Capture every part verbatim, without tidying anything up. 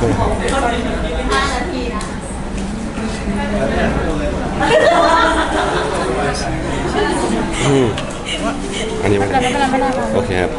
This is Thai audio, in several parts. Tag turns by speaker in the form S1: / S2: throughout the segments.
S1: ห้านาทีนะ
S2: อืมอันนี้ไม่ได้
S1: ไม่เป็นไรไม่เป็นไร
S2: โอเคครับ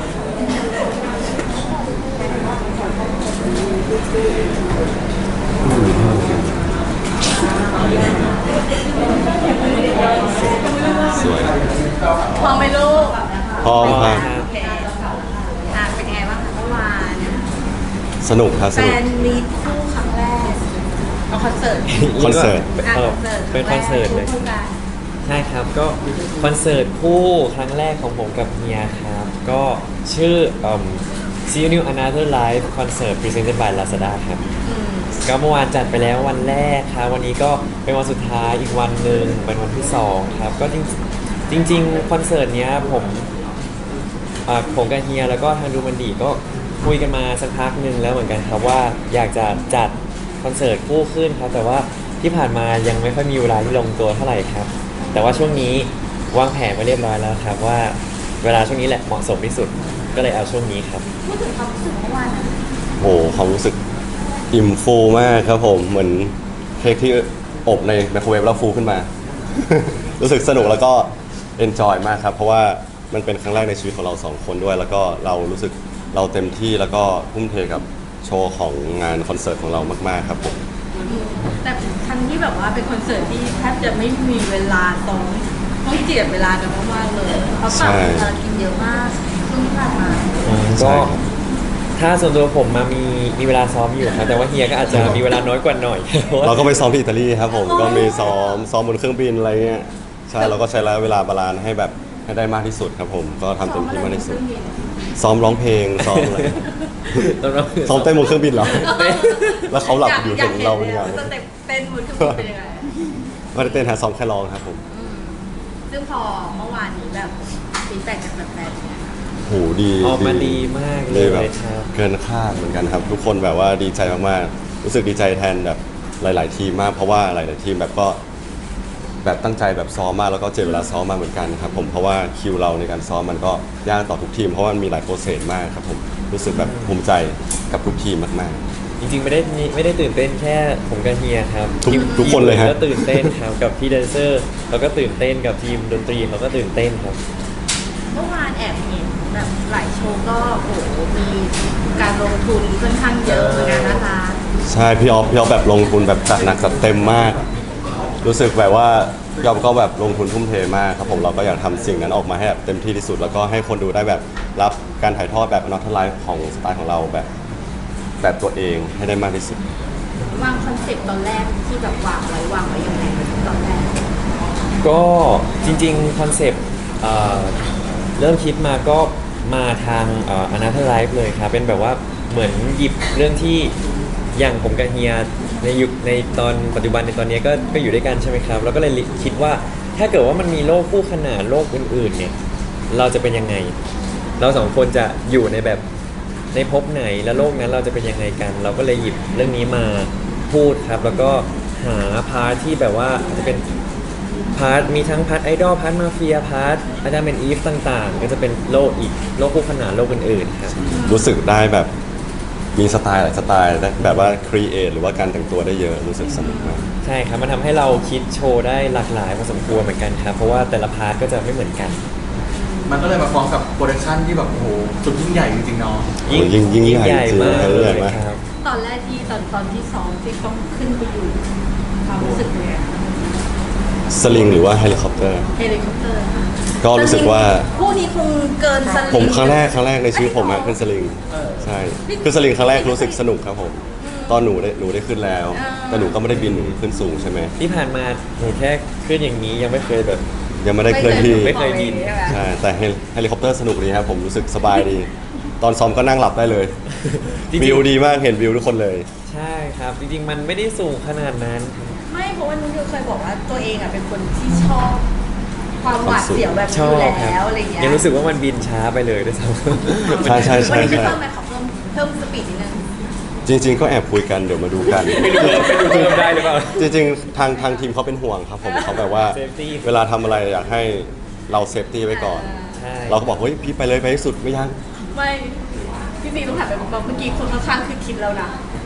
S2: สวย
S1: พร้อมไหมลูก
S2: พร้อมครับ
S1: โอเคอ่ะเป็นยังไงบ้างคะเมื่อวาน
S2: สนุกครับ
S1: แฟ
S2: สนุก
S1: นมีคู่ครั้งแรกเอาคอนเสิร์ต
S2: คอนเสิร์ต
S1: อ่ะ
S3: เออ
S1: คอนเสิร์ต
S3: เป็นคอนเสิร์ตเลย
S1: คู่กัน
S3: ใช่ครับก็คอนเสิร์ตคู่ครั้งแรกของผมกับเฮียครับ ก็ชื่อเอิ่ม See You New Another Life Concert Presented by Lazada ครับ
S1: อืม
S3: ก็เมื่อวานจัดไปแล้ววันแรกครับวันนี้ก็เป็นวันสุดท้ายอีกวันหนึ่งเป็นวันที่สองครับก็จริงจริงๆคอนเสิร์ตเนี้ยผมอ่าผมกับเฮียแล้วก็ทางดูมันดีก็คุยกันมาสักพักหนึ่งแล้วเหมือนกันครับว่าอยากจะจัดคอนเสิร์ตคู่ขึ้นครับแต่ว่าที่ผ่านมายังไม่ค่อยมีเวลาที่ลงตัวเท่าไหร่ครับแต่ว่าช่วงนี้วางแผนไว้เรียบร้อยแล้วครับว่าเวลาช่วงนี้แหละเหมาะสมที่สุดก็เลยเอาช่วงนี้ครับ
S1: พูดถึงความรู้สึกเมื่อวานนะ
S2: โหความรู้สึกอิ่มฟูมากครับผมเหมือนเค้กที่อบในไมโครเวฟแล้วฟูขึ้นมา รู้สึกสนุกแล้วก็เอนจอยมากครับเพราะว่ามันเป็นครั้งแรกในชีวิตของเราสองคนด้วย แล้วก็เรารู้สึกเราเต็มที่แล้วก็ทุ่มเทกับโชว์ของงานคอนเสิร์ตของเรามากๆครับผม
S1: แต่ทั้งที่แบบว่าเป็นคอนเสิร์ตที่แทบจะไม่มีเวลาตรงต้องเจียดเวลากันมากๆเลยเพราะปรับภารกิจเยอะมากช่วงที่ผ่านมา
S3: ก็
S2: ใช่ครับ
S3: ถ้าส่วนตัวผมมามีมีเวลาซ้อมอยู่ครับแต่ว่าเฮียก็อาจจะมีเวลาน้อยกว่าหน่อย เพราะว่า
S2: เราก็ไปซ้อมที่อิตาลีครับผมก็มีซ้อมซ้อมบนเครื่องบินอะไรเงี้ยใช่เราก็ใช้ระยะเวลาบาลานซ์ให้แบบให้ได้มากที่สุดครับผมก็ทำเต็มที่มากที่สุด ซ้อมร้องเพลงซ้อมอะไร
S3: ตอนเรา
S2: ซ้อมเต้นบนเครื่องบินเหรอ แล้วเขาหลับอยู่เห็นเราเป็น
S1: ไง
S2: ยังไง
S1: สเต็ปเต้นบนเครื่องบินเป็นยังไง
S2: ไม่ได้เต้นหาซ้อมแค่ร้องครับผม
S1: อืมซึ่งพอเมื่อวานนี้แบบฟีดแบ็กจากแฟนๆเป็นไงคะ
S2: โหดี
S3: ออกมาดีมากเล
S2: ดี
S3: ย
S2: แบบ
S3: ครับ
S2: เกินคาดเหมือนกันครับ ทุกคนแบบว่าดีใจมากๆรู้สึกดีใจแทนแบบหลาย ๆ ทีมมากเพราะว่าหลาย ๆ ทีมแบบก็แบบตั้งใจแบบซ้อมมากแล้วก็เจ็บเวลาซ้อมมาเหมือนกันครับผมเพราะว่าคิวเราในการซ้อมมันก็ยากต่อทุกทีมเพราะว่ามันมีหลายโปรเซสมากครับผมรู้สึกแบบภูมิใจกับทุกทีมมาก
S3: จริงๆไม่ได้มีไม่ได้ตื่นเต้นแค่ผมกับเฮียครับ
S2: ทุก
S3: ทีม
S2: ทุกคนเลยฮะ
S3: ก็ตื่นเต้นครับกับพี่แดนเซอร์เขาก็ตื่นเต้นกับทีมดนตรีเขาก็ตื่นเต้นครับ
S1: เมื่อวานแอบเห็นแบบหลายโชว์ก็โอ้โหมีการลงทุนค่อนข้างเยอะเหมือนกันนะคะ
S2: ๆใช่พี่ออฟพี่ออฟแบบลงทุนแบบจัดหนักจัดเต็มมาก รู้สึกแบบว่าพี่ออฟก็แบบลงทุนทุ่มเทมากครับผมเราก็อยากทำสิ่งนั้นออกมาให้แบบเต็มที่ที่สุด แล้วก็ให้คนดูได้แบบรับการถ่ายทอดแบบนอตไลฟ์ของสไตล์ของเราแบบแบบตัวเองให้ได้มากที่สุด
S1: วางคอนเซ็ปต์ตอนแรกที่แบบวางไว้วางไว้ยังไงตอนแรก
S3: ก็จริงๆคอนเซปต์เอ่อเริ่มคิดมาก็มาทางอนาเธอร์ไลฟ์เลยครับเป็นแบบว่าเหมือนหยิบเรื่องที่อย่างผมกับเฮียในยุคในตอนปัจจุบันในตอนนี้ก็ก็อยู่ด้วยกันใช่ไหมครับแล้วก็เลยคิดว่าถ้าเกิดว่ามันมีโลกคู่ขนานโลกอื่นๆเนี่ยเราจะเป็นยังไง เราสองคนจะอยู่ในแบบในภพไหนและโลกนั้นเราจะเป็นยังไงกัน เราก็เลยหยิบเรื่องนี้มาพูดครับแล้วก็หาพาร์ทที่แบบว่าอาจจะเป็น พาร์ทมีทั้งพาร์ทไอดอลพาร์ทมาเฟียพาร์ทอาจารย์เป็นอีฟต่างๆ ก็จะเป็นโลกอีกโลกคู่ขนานโลกอื่นๆครับ
S2: รู้สึกได้แบบมีสไตล์หลายสไตล์ได้แบบว่าครีเอทหรือว่าการแต่งตัวได้เยอะรู้สึกสนุกมาก
S3: ใช่ครับมันทำให้เราคิดโชว์ได้หลากหลายพอสมควรเหมือนกันครับเพราะว่าแต่ละพาร์ทก็จะไม่เหมือนกัน
S4: มันก็เลยมาพร้อมกับโปรดักชันที่แบบโอ้โหสุดยิ่งใหญ่จริงๆเนาะ
S2: โอ้ยิ่งยิ่งใหญ่จริง
S3: มาก
S2: ยิ่ง
S3: เล
S2: ใหญ่
S3: ย
S2: มาก
S3: ครับ
S1: ตอนแรกที่ตอนตอนที่ซ้อมที่ต้องขึ้นไปอยู่ความรู้สึกเป็นไง
S2: สลิงหรือว่าเฮลิคอปเตอร์
S1: เฮลิคอปเตอร์ค่ะ
S2: ก็รู้สึกว่า
S1: คู่นี้คงเกินสลิง
S2: ผมครั้งแรกครั้งแรกในชีวิตผมอะขึ้นสลิงใช่ขึ้นสลิงครั้งแรกรู้สึกสนุกครับผมตอนหนูได้หนูได้ขึ้นแล้ว แต่หนูก็ไม่ได้บินหนูขึ้นสูงใช่ไหม
S3: ที่ผ่านมาผมแค่ขึ้นอย่างนี้ยังไม่เคยแบบ
S2: ยังไม่ได้เคลื่อนที่
S3: ไม่เคยบิน
S1: ใช่ไหม
S2: ใช่แต่เฮลิคอปเตอร์สนุกดีครับผมรู้สึกสบายดี ตอนซ้อมก็นั่งหลับได้เลย
S3: จริงๆ
S2: วิวดีมากเห็นวิวทุกคนเลย
S3: ใช่ครับ จริงๆ มันไม่ได้สูงขนาดนั้น
S1: ไม่เพราะว่านุ้ยเคยบอกว่าตัวเองอ่ะเป็นคนที่ชอบความหวาดเสียวแบบ
S3: ช
S1: นี้
S3: อ
S1: อยู่
S3: บครับ
S1: แล้วอะไรเงี้ย
S3: ยังรู้สึกว่ามันบินช้าไปเลยด้วยซ้ำ
S2: ใช่ใช่ใช่
S1: วันนี้คือ
S2: ใช่
S1: เพิ่มไหมขอเพิ่มเพิ่มสปีดนิดนึง
S2: จริง ๆ ก็แอบคุยกันเดี๋ยวมาดูกัน
S3: ไม่รู้ว่าไม่รู้เพิ่มได้หรือเปล่า
S2: จริงๆ ทางทางทีมเขาเป็นห่วงครับผมเขาแบบว่า
S3: Safety
S2: เวลาทำอะไรอยากให้เราเซฟตี้ไว้ก่อน
S3: ใช่
S2: เราก็บอกเฮ้ยพี่ไปเลยไปให้สุดไม่ยัง
S1: ไม่พี่ซีต้องถามไปบอกเมื่อกี้คนข้างๆคือคิดแล้วนะ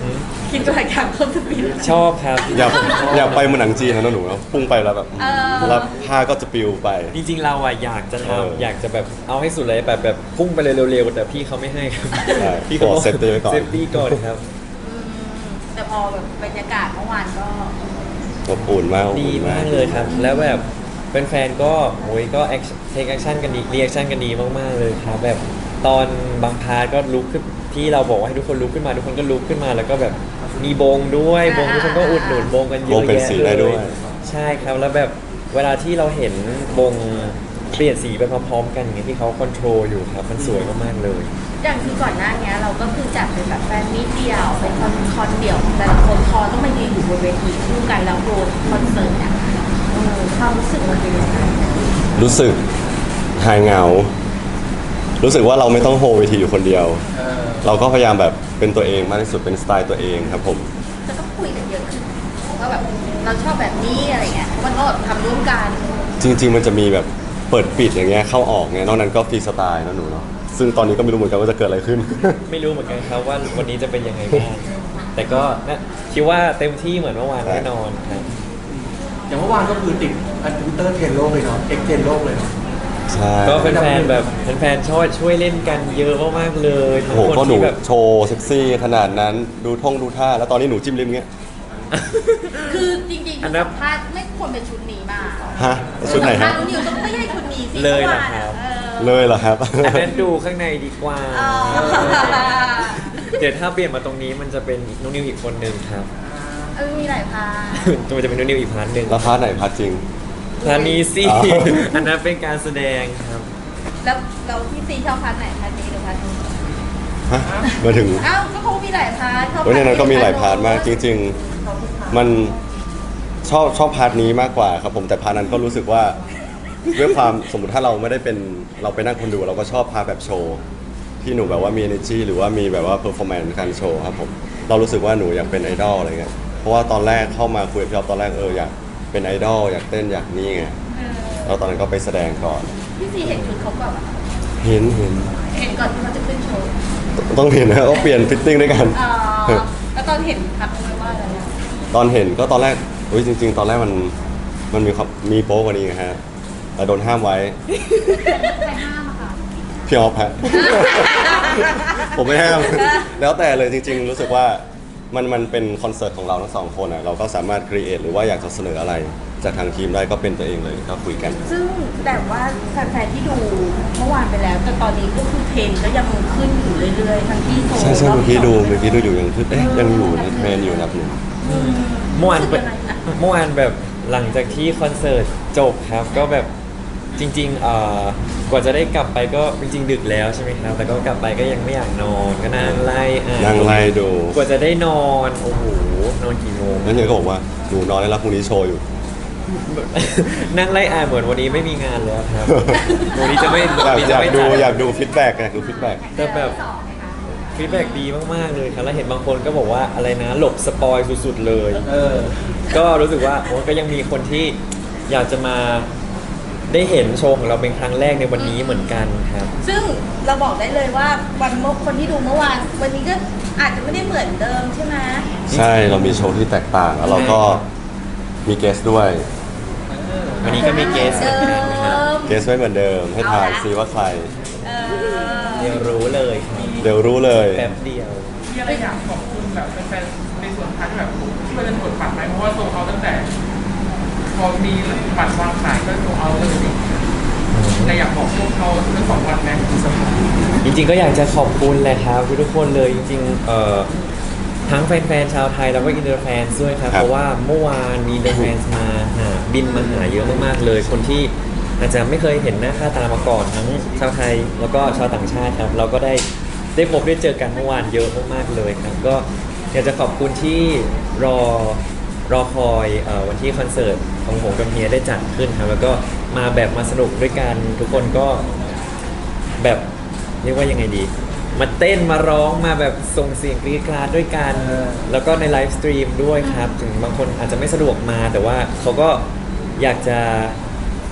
S1: คิดว่าอยากเพิ่มสปีด
S3: ชอบครับ
S2: อยากอยากไปเหมือนหนังจีนนะหนูเนอะพุ่งไปแล้วแบบ
S1: เออ
S2: แล้วผ้าก็จะปลิวไป
S3: จริงๆเราอะอยากจะ
S2: เออ
S3: ทำอยากจะแบบเอาให้สุดเลยแบบแบบพุ่งไปเลยเร็วๆแต่พี่เขาไม่ให้ครับ
S2: ใช่
S3: พี่เขา
S2: ขอ safety ไว้ก่อน
S3: เซฟตี้ก่อนครับ
S1: อืมแต่พอแบบบรรยากาศเมื่อวานก็
S2: อบอุ่นมากอบ
S3: ดี
S2: อุ่น
S3: มากเลยครับ แล้วแบบแฟนๆก็โอ้ยก็เทคแอคชั่นกันดีรีแอคชั่นกันดีมากๆเลยครับแบบตอนบางพาร์ทก็ลุกขึ้นที่เราบอกว่าให้ทุกคนลุกขึ้นมาทุกคนก็ลุกขึ้นมา แล้วก็แบบมีบงด้วยบงทุกคนก็อุดหนุนบงกันเยอะ
S2: วงเป็น
S3: แยะ
S2: สี
S3: เล
S2: ได้ด้วย
S3: ยใช่ครับแล้วแบบเวลาที่เราเห็นบงเปลี่ยนสีไปพร้อมๆกันอย่างเงี้ยที่เขาคอนโทรลอยู่ครับมันสวยมากๆเลย
S1: อย่างที่ก่อนหน้านี้เราก็คือจัดเป็นแบบแฟนมิตเดียวเป็นคอนคอนเดี่ยวของแต่ละคนพอต้องมายืนอยู่บนเวทีคู่กันแล้วโรดคอนเสิร์ตเนี่ยเออความรู้สึกมันเป็นยังไง
S2: รู้สึกหายเหงา รู้สึกว่าเราไม่ต้องโฮเวทีอยู่คนเดียว
S4: เออ
S2: เราก็พยายามแบบเป็นตัวเองมากที่สุดเป็นสไตล์ตัวเองครับผม
S1: จะต้องคุยกันเยอะขึ้นว่าแบบเราชอบแบบนี้อะไรเงี้ยมันก็แบบทำร่วมกัน
S2: จริง ๆ มันจะมีแบบเปิดปิดอย่างเงี้ยเข้าออกเงี้ยนอกนั้นก็ฟรีสไตล์นะหนูเนาะซึ่งตอนนี้ก็ไม่รู้เหมือนกันว่าจะเกิดอะไรขึ้น
S3: ไม่รู้เหมือนกันครับว่าวันนี้จะเป็นยังไงบ้างแต่ก็นะคิดว่าเต็มที่เหมือนเมื่อวานแน่นอนครับ
S4: อย่างเมื่อวานก็คือติดอันทวิตเตอร์เทรนด์โลกเลยเนาะเอ็กเทรนด์โลกเลยเนาะ
S2: ใช่
S3: ก็แฟนๆแบบแฟนๆช่วยช่วยเล่นกันเยอะมากๆเลยทั้
S2: โอ้
S3: ง
S2: โห
S3: คน
S2: ก็หนู
S3: ที่แบบ
S2: โชว์เซ็กซี่ขนาดนั้นดูท่องดูท่าแล้วตอนนี้หนูจิ้มลิ้มเงี้ย
S1: คือจริงๆ
S3: อัน
S1: ที่
S3: นั้น
S1: สัมภาษณ์ไม่ควรเป็นชุดนี้มา
S2: ฮะชุดไหน
S1: สัมภา
S2: ฮะ
S1: ษณ์นิวต้องไม่ใช่ชุดนี้สิ
S3: เลยเหรอ
S1: มื่วาน
S3: ครับ
S1: เออ
S2: เลยเหรอครับ
S3: อันนั้นดูข้างในดีกว่า
S1: อ๋อ
S3: เดี๋ยวถ้าเปลี่ยนมาตรงนี้มันจะเป็นน้องนิวอีกคนนึงครับ
S1: เออมีหลายพาร์ท
S3: มันจะเป็นน้องนิวอีกพาร์ทหนึ่ง
S2: แล้วพาร์ทไหนพาร์ทจริง
S3: พาร์ทนี้สิ
S2: อ๋อ
S3: อันนั้นเป็นการแสดงครับ
S1: แล้วเราที่ซีชอบพาร์ทไหนพาร์ทนี้หรือพาร์ทนู้น
S2: ฮะมาถึง
S1: อ้าวก็เขามีหลายพาร์ทชอบ
S2: โอ้ยในนั้นก็มีหลายพาร์ท
S1: โน้น
S2: มากจริง ๆ มันชอบชอบพาร์ทนี้มากกว่าครับผมแต่พาร์ทนั้นก็รู้สึกว่าด้วยความสมมติถ้าเราไม่ได้เป็นเราไปนั่งคนดูเราก็ชอบพาร์ทแบบโชว์ที่หนูแบบว่ามี energy หรือว่ามีแบบว่า performance การโชว์ครับผมเรารู้สึกว่าหนูอยากเป็นไอดอลอะไรเงี้ยเพราะว่าตอนแรกเข้ามาคุยกับพี่อ๊อฟตอนแรกเอออยากเป็นไอดอลอยากเต้นอยากนี่ไง
S1: เออ
S2: แล้วตอนนั้นก็ไปแสดงก่อน
S1: พี่ซีเห็นชุดเขาก่อนเหรอ
S2: เห็นเห็น
S1: เห็นก่อนที่เขาจะขึ้นโชว์
S2: ต้องเห็นนะก็เปลี่ยนฟิตติ้งด้วยกัน
S1: อ๋อแล้วตอนเห็นทักไหมว่าอะไรนะ
S2: ตอนเห็นก็ตอนแรกอุ้ยจริง ๆ ตอนแรกมันมันมีความมีโป๊กว่านี้ไงฮะแต่โดนห้ามไว้
S1: ใครห้ามอะค่ะ
S2: พี่ออฟฮะ ผมไม่ห้าม แล้วแต่เลยจริง ๆ รู้สึกว่ามันมันเป็นคอนเสิร์ตของเราทั้งสองคนอ่ะเราก็สามารถครีเอทหรือว่าอยากจะเสนออะไร จากทางทีมได้ก็เป็นตัวเองเลยก็คุยกัน
S1: ซึ่งแต่ว่าแฟนๆที่ดูเมื่อวานไปแล้ว แต่ตอนนี้ก็คือเทรนด์ก็ยังขึ้นอยู่เรื่อยๆทั้งที่โชว์
S2: ใช่ใช่
S1: รบ
S2: เมื่อกี้ดู
S1: สง
S2: เมื่อกี้ดูอยู่ยังคือเอ๊ะยังอยู่ในเทรนอยู่นะหนู
S1: อืม
S3: เมื่อวาน
S1: รู้สึกยังไงอะ
S3: เมื่อวานแบบหลังจากที่คอนเสิร์ตจบครับ ก็แบบจริงๆเอ่อกว่าจะได้กลับไปก็จริงๆดึกแล้วใช่ไหมครับ แต่ก็กลับไปก็ยังไม่อยากนอนก็นั่งไล่อ่าน
S2: นั่งไล่ดู
S3: กว่าจะได้นอนโอ้โหนอนกี่โมง
S2: แล้วเนี่ยก็บอกว่าหนูนอนได้แล้วพรุ่งนี้โชว์อยู่
S3: นั่งไล่อ่านเหมือนวันนี้ไม่มีงานแล้วครับ วันนี้จะไม่
S2: อยาก
S3: วันนี้
S2: อ
S3: จะ
S2: ยาก
S3: ไม่
S2: ดู
S3: จัด
S2: อยากดูฟีดแบ็กอยากดูฟีดแบ็ก
S3: แต่แบบฟีดแบ็กดีมากๆเลยครับแล้วเห็นบางคนก็บอกว่าอะไรนะหลบสปอยสุดๆเลย
S4: เออ
S3: ก็รู้สึกว่าโอ้ก็ยังมีคนที่อยากจะมาได้เห็นโชว์ของเราเป็นครั้งแรกในวันนี้เหมือนกันครับ
S1: ซึ่งเราบอกได้เลยว่าวันเมื่อคนที่ดูเมื่อวาน วันนี้ก็อาจจะไม่ได้เหมือนเดิมใช่ไหม
S2: ใช่เรามีโชว์ที่แตกต่างแล้วเราก็มีเกสด้วย
S3: วันนี้ก็มีเกสเหมือนกันครับ
S2: เกสไม่เหมือนเดิมให้ทายซิว่าใคร
S1: เอ
S3: เดี๋ยวรู้เลยครับ
S2: เดี๋ยวรู้เลย
S3: แป๊บเดียว
S5: มีอะไรอยากขอบคุณแบบแฟนๆในส่วนพาร์ทที่แบบที่มันเป็นผลปัดไหมเพราะว่าตัวเขาตั้งแต่ พอมีบัตรวางขายก็โซเอาเลยสิแต่อยากบอกพวกเขาทั้งสองวันไหม
S3: จริงๆก็อยากจะขอบคุณแหละครับทุกคนเลยจริงๆเอ่อทั้งแฟนๆชาวไทยแล้วก็อินเตอร์แฟนด้วยครับ
S2: ครับ
S3: เพราะว่าเมื่อวานมีอินเตอร์แฟนมาหาบินมาหาเยอะมากๆเลย คนที่อาจจะไม่เคยเห็นหน้าค่าตามาก่อนทั้งชาวไทยแล้วก็ชาวต่างชาติครับเราก็ได้ได้พบได้เจอกันเมื่อวานเยอะมากๆเลยครับก็อยากจะขอบคุณที่รอรอคอยเอ่อวันที่คอนเสิร์ตของผมกับเฮียได้จัดขึ้นครับแล้วก็มาแบบมาสนุกด้วยกันทุกคนก็แบบเรียกว่ายังไงดี มาเต้นมาร้องมาแบบส่งเสียงกรี๊ดกราดด้วยกัน
S4: เออ
S3: แล้วก็ในไลฟ์สตรีมด้วยครับ ถึงบางคนอาจจะไม่สะดวกมา แต่ว่าเขาก็อยากจะ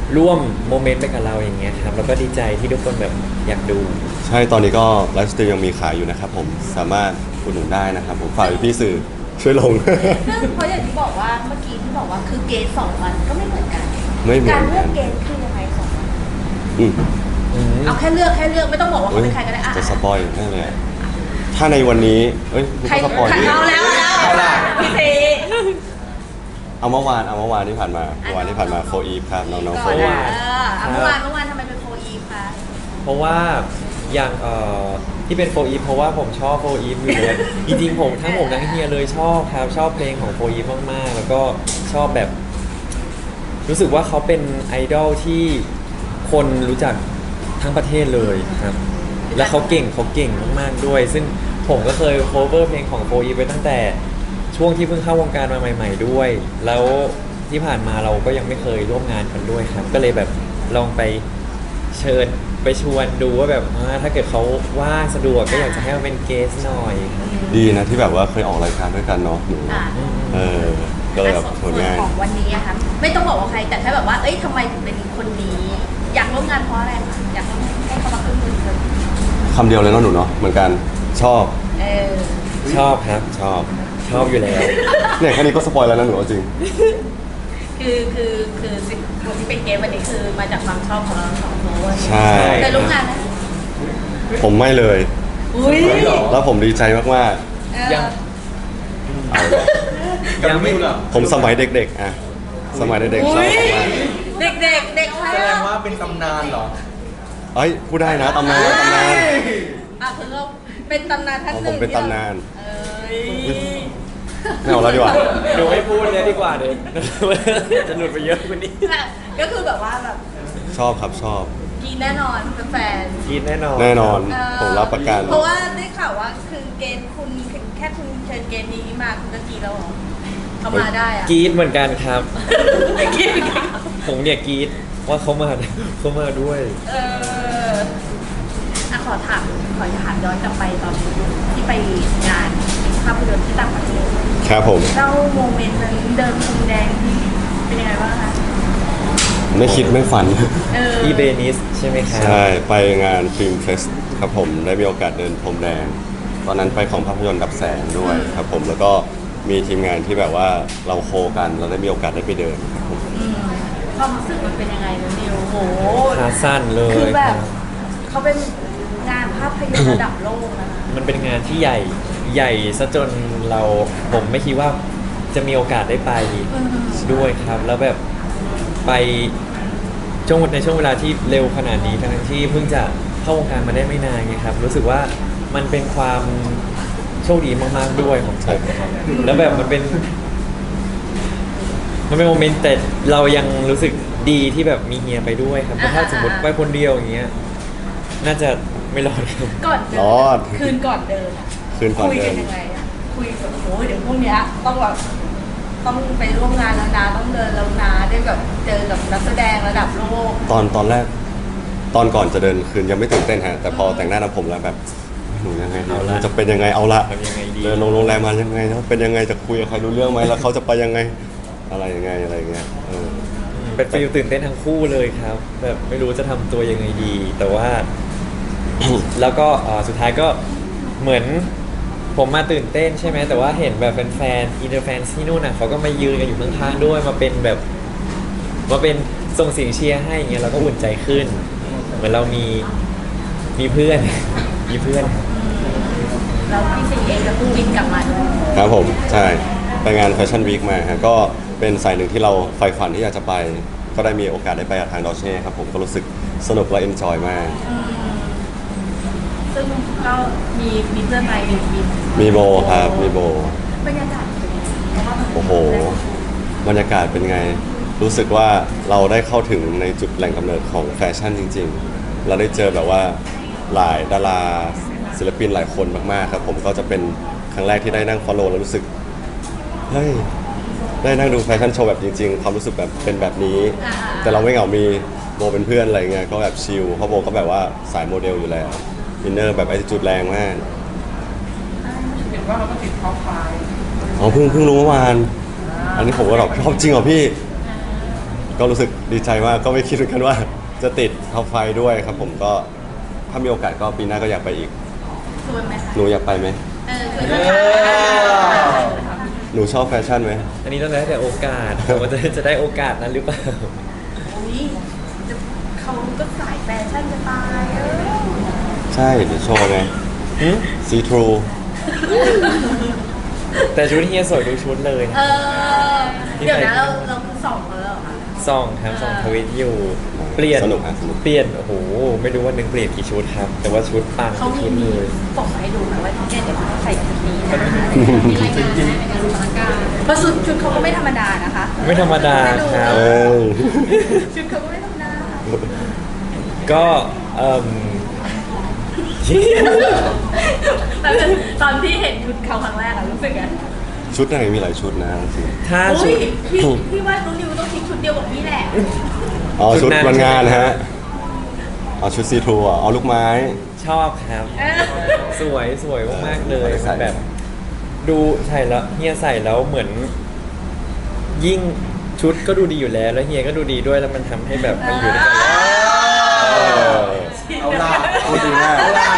S3: ร่วมโมเมนต์ไปกับเราอย่างเงี้ยครับแล้วก็ดีใจที่ทุกคนแบบอยากดู
S2: ใช่ตอนนี้ก็ไลฟ์สตรีมยังมีขายอยู่นะครับผมสามารถอุดหนุนได้นะครับผมฝากพี่ๆสื่อช่วยลง
S1: ซึ่งเพราะอย่างที่บอกว่าเมื่อกี้ที่บอกว่าคือเกณฑ์สองวันก็ไม่เหมือนกัน
S2: ไม่เหมือนกัน
S1: การเลือกเกณฑ์คือยังไงสองวัน
S2: อืม
S1: เอาแค่เลือกแค่เลือกไม่ต้องบอกว่า
S2: เฮ้
S1: เขา
S2: ย
S1: เป็นใครก็ได้อ่ะ
S2: จะสปอยแน่เลยอะถ้าในวันนี้เอ้ยไม่
S1: ใคร
S2: ต้องสปอย
S1: ใคร
S2: ดิ
S1: เอาแล้วเอาแล้วพี่ซี
S2: เอาเมื่อวานเอาเมื่อวานที่ผ่านมาเมื่อวานที่ผ่านมาโฟอีฟครับน้องๆโฟ
S1: ก่อน
S2: อี
S1: นะ
S2: ฟ
S1: เออเอาเมื่อวานเมื่อวานทำไมเป็นโฟอีฟคะ
S3: เพราะว่าอย่างเอ่อที่เป็นโฟอีฟเพราะว่าผมชอบโฟอีฟอยู่แล้ว จริงๆผมทั้งผมทั้งเฮียเลยชอบครับชอบเพลงของโฟอีฟมากๆ แล้วก็ชอบแบบ รู้สึกว่าเขาเป็นไอดอลที่คนรู้จักทั้งประเทศเลยครับ และเขาเก่งเขาเก่งมากๆด้วย ซึ่งผมก็เคยโคเวอร์เพลงของโฟอีฟไปตั้งแต่ช่วงที่เพิ่งเข้าวงการมาใหม่ ๆด้วย แล้วที่ผ่านมาเราก็ยังไม่เคยร่วมงานกันด้วยครับ ก็เลยแบบลองไปเชิญไปชวนดูว่าแบบอ่าถ้าเกิดเขาว่างสะดวกก็อยากจะให้มาเป็นเกสหน่อยครับ
S2: ดีนะที่แบบว่าเคยออกรายการด้วยกันเนาะหนู
S1: อ่ะ
S2: เออก็เลยแบบผลงาน
S1: ของวันนี้อะคะไม่ต้องบอกว่าใครแต่แค่แบบว่าเอ้ยทำไมถึงเป็นคนนี้ อยากร่วมงานเพราะอะไรคะอยากให้เขามาขึ้นมือกัน
S2: คำเดียวเลยเนาะหนูเนาะเหมือนกันชอบ
S1: เออ
S3: ชอบครับ
S2: ชอบ
S3: ชอบอยู่แล้ว
S2: เนี่ยแค่นี้ก็สปอยแล้วนะหนูเอาจริง
S1: คือคือคือสิ่งคนที่เป็นเกมวันนี้คือมาจากความชอบของเราทั้งสองคน
S2: ใช่
S1: เคยร่วมงานไหม
S2: ผมไม่เลย
S1: อุ้ย
S2: แล้วผมดีใจมาก
S1: เออ
S3: ยัง
S2: ๆ
S3: ยังไม่
S4: เหรอ
S2: ผมสมัยเด็กๆอะสมัยเด็กๆชอบมาก
S1: เด็กเด็กๆเด็กใคร
S4: แสดง
S1: อะ
S4: ว่าเป็นตำนานเหรอ
S2: เอ้ยพูดได้นะตำนานตำนาน
S1: อ่ะคือเราเป็นตำนานท่านหนึ่ง
S2: ผมเป็นตำนาน
S1: เอ้ย
S2: ไม่เอาแล้วดีกว่า
S3: หนูไม่พูดเลยดีกว่าเดี๋ยว จะหลุดไปเยอะกว่านี้
S1: ก็คือแบบว่าแบบ
S2: ชอบครับชอบ
S1: กินแน่นอนเป็นแฟน
S3: กินแน่นอน
S2: แน่นอน
S1: เออ
S2: ผมรับประกัน
S1: เพราะว่าได้ข่าวว่าคือเกณฑ์คุณแค่คุณเชิญเกณฑ์นี้มาคุณก็กรีดแล้วเหรอเขามาได้อะ
S3: กรีดเหมือนกันครับ
S1: กรีดเหมือนกัน
S3: ผมเนี่ยกรีดว่าเขามาเขามาด้วย
S1: เอออ่ะขอถามขอถามย้อนกลับไปตอนที่ไปงานภาพยนตร์ที่ต่างประเทศ
S2: ครับผม
S1: เล่าโมเมนต์นั้นเดินพรมแดงที่เป็นยังไงบ้างคะ
S2: ไม่คิดไม่ฝัน
S1: เออ
S3: ที่เบนิสใช่ไหมครับ
S2: ใช่ ไปงานฟิล์มเฟสครับผมได้มีโอกาสเดินพรมแดง ตอนนั้นไปของภาพยนตร์ดับแสงด้วยครับผมแล้วก็มีทีมงานที่แบบว่าเราโคกันเราได้มีโอกาสได้ไปเดินครับผม
S1: อืมความรู้สึกมันเป็นยังไงนะนิวโห
S3: ขาสั้นเล
S1: คื
S3: ย
S1: อแบบ
S3: ครับ
S1: เขาเป็นงานภาพยนตร์ระดับโลกนะคะ
S3: มันเป็นงานที่ใหญ่ใหญ่ซะจนเราผมไม่คิดว่าจะมีโอกาสได้ไปด้วยครับ แล้วแบบไปช่วงในช่วงเวลาที่เร็วขนาดนี้ทั้งที่เพิ่งจะเข้าวงการมาได้ไม่นานไงครับ รู้สึกว่ามันเป็นความโชคดีมากๆด้วยของผมครับแล้วแบบมันเป็น มันเป็นโมเมนต์แต่เรายังรู้สึกดีที่แบบมีเฮียไปด้วยครับเพราะถ้าสมมติไปคนเดียวอย่างเงี้ยน่าจะไม่รอดครับ
S1: ก่อนเดิน
S2: รอด
S1: คืนก่อนเดินอะ
S2: คืนก่อน
S1: คุย
S2: เดิ
S1: กัน นยังไงอะคุยแบบโอ้ยเดี๋ยวพรุ่งเนี้ยต้องแบบต้องไปร่วมงานแล้วนะต้องเดินแล้วนะได้แบบเจอกับนักแสดงระดับโลก
S2: ตอนตอนแรก ตอนก่อนจะเดินคืนยังไม่ตื่นเต้นฮะแต่พอแต่งหน้าทำผมแล้วแบบหนูยังไงดี
S3: เอาละ
S2: จะเป็นยังไงเอาละ
S3: ทำยังไงดี
S2: เดินลงโรงแรมมายังไงนะเป็นยังไงจะคุยกับใครรู้เรื่องไหมแล้วเขาจะไปยังไงอะไรยังไงอะไรอย่างเงี้ยเออ
S3: เป็นฟีลตื่นเต้นทั้งคู่เลยครับ แบบไม่รู้จะทำตัวยังไงดี แต่ว่า แล้วก็เอ่อสุดท้ายก็เหมือนผมมาตื่นเต้นใช่ไหมแต่ว่าเห็นแบบแฟนๆอินเตอร์แฟนที่นู่นน่ะเขาก็มายืนกันอยู่ข้างๆด้วยมาเป็นแบบมาเป็นส่งเสียงเชียร์ให้อย่างเงี้ยเราก็อุ่นใจขึ้น เหมือนเรามีมีเพื่อน มีเพื่อน
S1: แล้วพี่สิงห์เองก็เพิ่งบินกลับมาด้วย
S2: ครับผมใช่ไปงานแฟชั่นวีคมาฮะก็เป็นสายหนึ่งที่เราใฝ่ฝันที่อยากจะไป ก็ได้มีโอกาสได้ไปกับทางดอเช่ครับผมก็รู้สึกสนุกและเอนจอยมาก
S1: อืมซึ่งก็มีมีเพื่อนไปมีมี
S2: มีโบครับมีโบ
S1: บรรยากาศเป็นยังไงเพราะว่ามัน
S2: โอ้โห บรรยากาศเป็นไง รู้สึกว่าเราได้เข้าถึงในจุดแหล่งกำเนิดของแฟชั่นจริงๆ เราได้เจอแบบว่าหลายดาราศิลปินหลายคนมากๆครับผมก็จะเป็นครั้งแรกที่ได้นั่ง follow แล้วรู้สึก เฮ้ย ได้นั่งดูแฟชั่นโชว์แบบจริงๆ ความรู้สึกแบบเป็นแบบนี้ แต่เราไม่เหงา มีโบเป็นเพื่อนอะไรเงี้ยก็แบบชิลเพราะโบก็แบบว่าสายโมเดลอยู่แล้วอินเนอร์แบบไอจุดแรงมาก
S5: เห็นว่าเราก็ติดท็อปไฟว์
S2: อ๋อเพิ่งเพิ่งรู้เมื่อวาน อันนี้ผมก็แบบชอบจริงเหรอพี่ก็รู้สึกดีใจมากก็ไม่คิดเหมือนกันว่าจะติดท็อปไฟด้วยครับผมก็ถ้ามีโอกาสก็ปีหน้าก็อยากไปอีก
S1: ชวนไหมคะ
S2: หนูอยากไปไหม
S1: เออชวนไหมคะ
S2: หนูชอบแฟชั่นไหม
S3: อันนี้ต้องแล้วแต่โอกาสแต่ว่าจะจะได้โอกาสนั้นหรือเปล่า
S1: อุ้ยจะเขาก็สายแฟชั่นจะตายเออ
S2: ใช่เดี๋ยวโชว์ไงซีทรู
S3: แต่ชุดเฮียสวยทุกชุดเลย
S1: เออเดี๋ยวนะเราเราคือสองเขาแล้วเหรอคะ
S3: ซองครับซองทวิตอยู่ เปลี่ยน
S2: สนุกอ่ะสนุก
S3: เปลี่ยนโอ้โหไม่รู้ว่าหนึ่งเปลี่ยนกี่ชุดครับ แต่ว่าชุดปัง
S1: เขา
S3: ทุก
S1: มี
S3: ชุดเลย
S1: ส่งมาให้ดูนะว่าเนี่ยเดี๋ยวเขาใส่ชุดนี้นะมีรายงานให้ในการรู้สถานการณ์เพราะชุดชุดเขาก็ไม่ธรรมดานะคะ
S3: ไม่ธรรมดาครับ
S2: เอ้ย
S1: ชุดเขาก็ไม่ธรรมดา
S3: ก็เอ่ม
S1: แต่ตอนที่เห็นชุดเขาครั้งแรกอะรู้สึกไง
S2: ชุดไหนมีหลายชุดนะจริง
S3: ถ้า
S1: อุ้
S3: ชุ
S1: ย
S3: ด
S1: พี่พี่ว่าน้องนิวต้องทิ้งชุดเดียวกับพี่แหละ
S2: อ๋อ
S3: ชุ
S2: ชุ
S3: ด
S2: ด
S3: นั้น
S2: วันงานฮะอ๋อชุดซีทรูอ่ะอ๋อลูกไม้
S3: ชอบครับ
S1: เออ
S3: สวยสวยมากๆเลย
S2: ใส่
S3: มันแบบ ดูใส่แล้วเฮียใส่แล้วเหมือน ยิ่งชุดก็ดูดีอยู่แล้ว แล้วเฮียก็ดูดีด้วยแล้วมันทำให้แบบมันอยู่ด้วยกันแล้ว
S2: เออ
S4: เอาล่ะ
S2: พูดดีมาก
S4: เอาล่ะ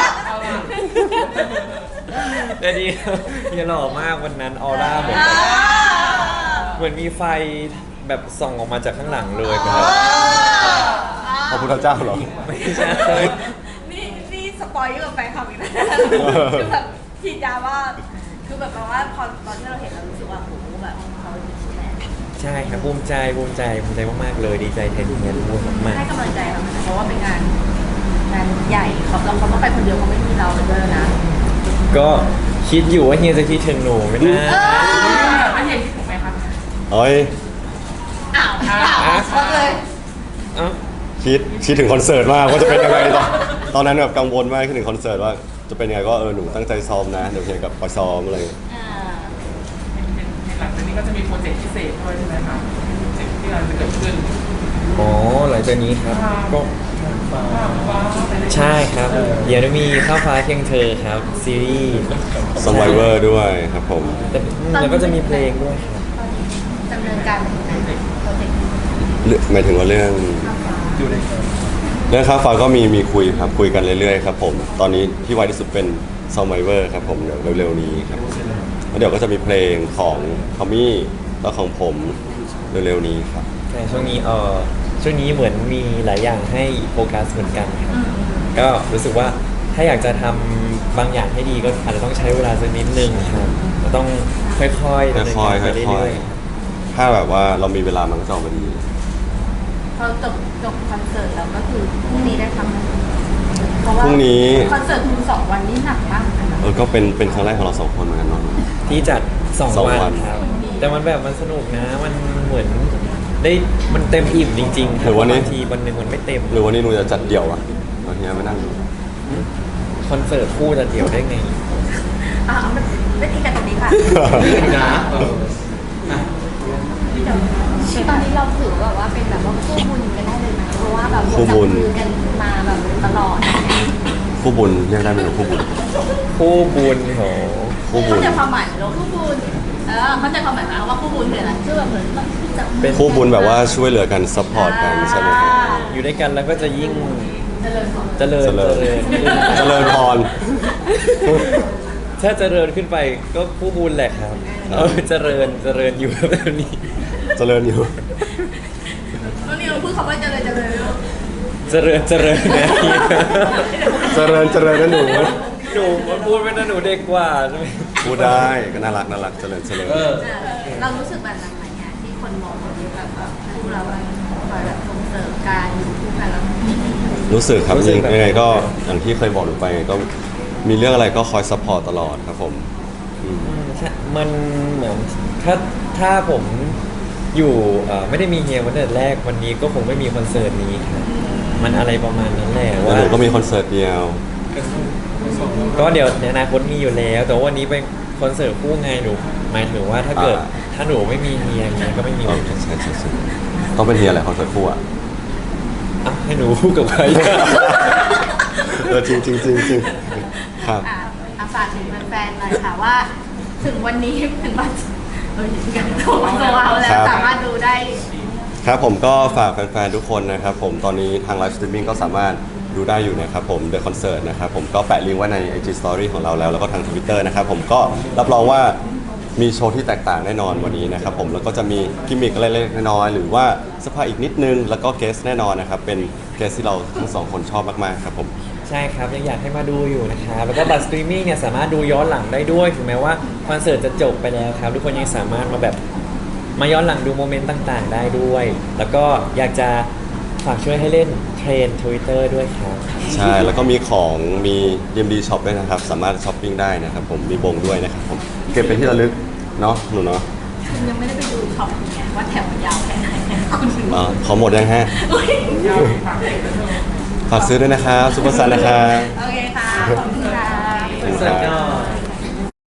S3: แต่ดีครับเฮียหล่อมากวันนั้นออร่าเหมือนเหมือนมีไฟแบบส่องออกมาจากข้างหลังเลยเป็นแบบ
S2: พระพุทธเจ้าเหรอ
S3: ไม่ใช่
S1: นี่นี่สปอยเยอะกับแฟนคลับอีกนะคือแบบฉีดยาว่าคือแบบว่าพอตอนที่เราเห็นเรารู้สึกว่าโอ้โหแบบเขาดีแน่
S3: ใช่ครับภูมิใจภูมิใจภูมิใจมากๆเลยดีใจแทนเฮียด้วยมาก
S1: ให้กำลังใจเราเพราะว่าเป็นงานงานใหญ่เขาเราเขาต้องไปคนเดียวเขาไม่มีเราเลยด้วยนะ
S3: ๆก็คิดอยู่ว่าเฮียจะคิดถึงหนูไหมนะ
S5: อันเห็นถูกไหมคะ
S2: เอ้ย
S1: อ้าวอ้าวช็อกเลย
S3: เอ้า
S2: คิดคิดถึงคอนเสิร์ตมากว่าจะเป็นยังไงตอนตอนนั้นแบบกังวลมากคิดถึงคอนเสิร์ตว่าจะเป็นยังไงก็เออหนูตั้งใจซ้อมนะเดี๋ยวเฮียกับคอยซ้อมอะไรอย่างเงี้ย
S1: อ่า
S5: เห็นเห็นเห็นหลังจากนี้ก็จะมีโปรเจกต์พิเศษด้วยใช่ไหมคะโปรเจกต์ที่กำลังจะเกิดขึ้น
S3: อ๋อหลังจากนี้ครับก็
S5: ว้าวว้าว
S3: ใช่ครับเดี๋ยวจะมีข้าวฟ้าเคียงเธอครับซีรีส์
S2: ซอมไบเวอร์ด้วยครับผม
S3: แต่แล้วก็จะมีเพลงด้วยครับ
S1: ดำเนินการเป็นยังไงโปรเจกต์
S2: เรื่องหมายถึงว่าเรื่อง
S4: อยู่ใน
S2: เรื่องค่าฟ้าก็มีมีคุยครับคุยกันเรื่อยๆครับผมตอนนี้ที่ไวที่สุดเป็นซอมไบเวอร์ครับผมเดี๋ยวเร็วๆนี้ครับแล้วเดี๋ยวก็จะมีเพลงของทอมมี่แล้วของผมเร็วๆนี้ครับ
S3: ใช่ช่วงนี้เออช่วงนี้เหมือนมีหลายอย่างให้โฟกัสเหมือนกันครับก็รู้สึกว่าถ้าอยากจะทำบางอย่างให้ดีก็อาจจะต้องใช้เวลาสักนิดนึงครับก็ต้องค่อยๆดำเนิน
S2: ค่อยๆ
S3: การไป
S2: ค่อย
S3: เรื่อย
S2: ๆถ้าแบบว่าเรามีเวลามันก็จะออกมาดี
S1: พอจบจบคอนเสิร์ตแล้วก็คือพรุ่งนี้ได้ทำเพราะว่า
S2: พรุ่งนี้
S1: คอนเสิร์ตคุณสองวันนี้หนักมากเหมือนกันนะ
S2: เออก็เป็นเป็นครั้งแรกของเราสองคนเหมือนกันเนาะ
S3: ๆที่จัดสอง
S2: สอง
S3: วัน
S2: วัน
S3: ครับ แต่มันแบบมันสนุกนะ มันเหมือนได้มันเต็มอิ่มจริงๆค
S2: ห
S3: รับ
S2: รือวันนี้
S3: บางทีวันหนึ่งมันไม่เต็ม
S2: หรือวันนี้หนูจะจัดเดี่ยวอะวันนี้ไม่นั่งดู
S3: คอนเสิร์ตคู่จะเดี่ยวได้ไง
S1: อ่ะเอามันไม่ตีกันตรงนี้ค่ะ
S4: นะเอออ่ะ
S1: ตอนนี้เราถือแบบว่าเป็นแบบว่าคู่บุญกันได้เลยไหมเพราะว่าแบบ
S2: คู่บุญ
S1: จัมือกันมาแบบตลอด
S2: คู่บุญเรียกได้ไหมหนูคู่บุญ
S3: คู่บุญโห
S2: คู่บุ
S1: เข้า
S2: ญ
S1: ใจความหมายไหมเราคู่บุญเออเข้าใจความหมายไหมว่าคู่บุญคืออะไรคือแบบเหมือนมันจับมือ
S2: คู่บุญแบบว่าช่วยเหลือกันซัพพอร์ตกันใช่ไหมครับ
S3: อยู่ด้วยกันแล้วก็จะยิ่ง
S1: เจริญพร
S3: เจริญ
S2: เจริญ
S3: เจริญขึ้น
S2: เจริญพร
S3: ถ้าเจริญขึ้นไปก็ผู้บุญแหละครับ เออเจริญเจริญอยู่แบบนี้
S2: เจริญอยู่
S1: ตอนนี้เราพูดคำว่าเจริญเจริญลูก
S3: เจริญเจริญนะ
S2: เจริญเจริญนะหนู
S3: หนูมันพูดไม่นะหนูเด็กกว่าใช่ไหม
S2: พูดได้ก็น่ารักน่ารักเจริญเจริญ
S4: เออ
S1: เรารู้สึกแบบนั้นไหมเนี่ยที่คนมองเราแบบแบบคู่เราแบบคอยแบบส่งเสริมการอยู่คู่กันแล้ว
S2: รู้สึกครับยังยังไงก็อย่างที่เคยบอกหนูไปก็มีเรื่องอะไรก็คอยซัพพอร์ตตลอดครับผมอืม
S3: อืมใช่มันเหมือนถ้าถ้าผมอยู่เอ่อไม่ได้มีเฮียวันแต่แรกวันนี้ก็คงไม่มีคอนเสิร์ตนี้ครับมันอะไรประมาณนั้นแหละ
S2: แล้ว
S3: ว่า
S2: หนูก็มีคอนเสิร์ตเดียว
S3: ก็เดี๋ยวในอนาคตมีอยู่แล้ว แต่ว่าวันนี้เป็นคอนเสิร์ตคู่ไงหนูหมายถึงว่าถ้าเกิดถ้าหนูไม่มีเฮียเฮียก็ไม่มี
S2: อ๋อ
S3: วันนี้
S2: ใช่ใช่ใช่ต้องเป็นเฮียแหละคอนเสิร์ตคู่อ่ะ
S3: อ่ะให้หนูพูดกับใคร
S2: เออจริงจริงจริงจริงครับ
S1: อ่ะอ่ะฝากถึงแฟนๆหน่อยค่ะว่า ถึงวันนี้ถึงวันเออถึงกันโทรโทรเอาแล้วสามารถดูได้
S2: ครับผมก็ฝากแฟนๆทุกคนนะครับผมตอนนี้ทางไลฟ์สตรีมมิ่งก็สามารถดูได้อยู่นะครับผม The Concert นะครับผมก็แปะลิงก์ไว้ใน ไอ จี Story ของเราแล้วแล้วก็ทาง Twitter นะครับผมก็รับรองว่ามีโชว์ที่แตกต่างแน่นอนวันนี้นะครับผมแล้วก็จะมีกิมมิคอะไรเล็กๆน้อยๆหรือว่าเสื้อผ้าอีกนิดนึงแล้วก็เกสแน่นอนนะครับเป็นเกสที่เราทั้งสองคนชอบมากๆครับผม
S3: ใช่ครับยังอยากให้มาดูอยู่นะครับแล้วก็บัตรสตรีมมิ่งเนี่ยสามารถดูย้อนหลังได้ด้วยถึงแม้ว่าคอนเสิร์ตจะจบไปแล้วครับทุกคนยังสามารถมาแบบมาย้อนหลังดูโมเมนต์ต่างๆ ได้ด้วย แล้วก็อยากจะฝากช่วยให้เล่นเทรน Twitter ด้วยครับ
S2: ใช่แล้วก็มีของมี ดี เอ็ม ดี Shop ด้วยนะครับสามารถช้อปปิ้งได้นะครับผมมีบงด้วยนะครับผมเก็บเป็นที่ระลึกเนาะหนูเนาะ
S1: คุณยังไม่ได้ไปดูช็อปไงว่าแถวมันยาวแค่ไหนเนี่ยคุณดู
S2: อ๋อขอหมดยังฮะ
S1: อุ๊ย
S5: ยาวอีกฝากเด็กด้วย
S2: ฝากซื้อด้วยนะครับซุปเปอร์ซันนะครับ
S1: โอเคค่ะ ขอบคุณค่ะ
S2: ขอบคุณครับ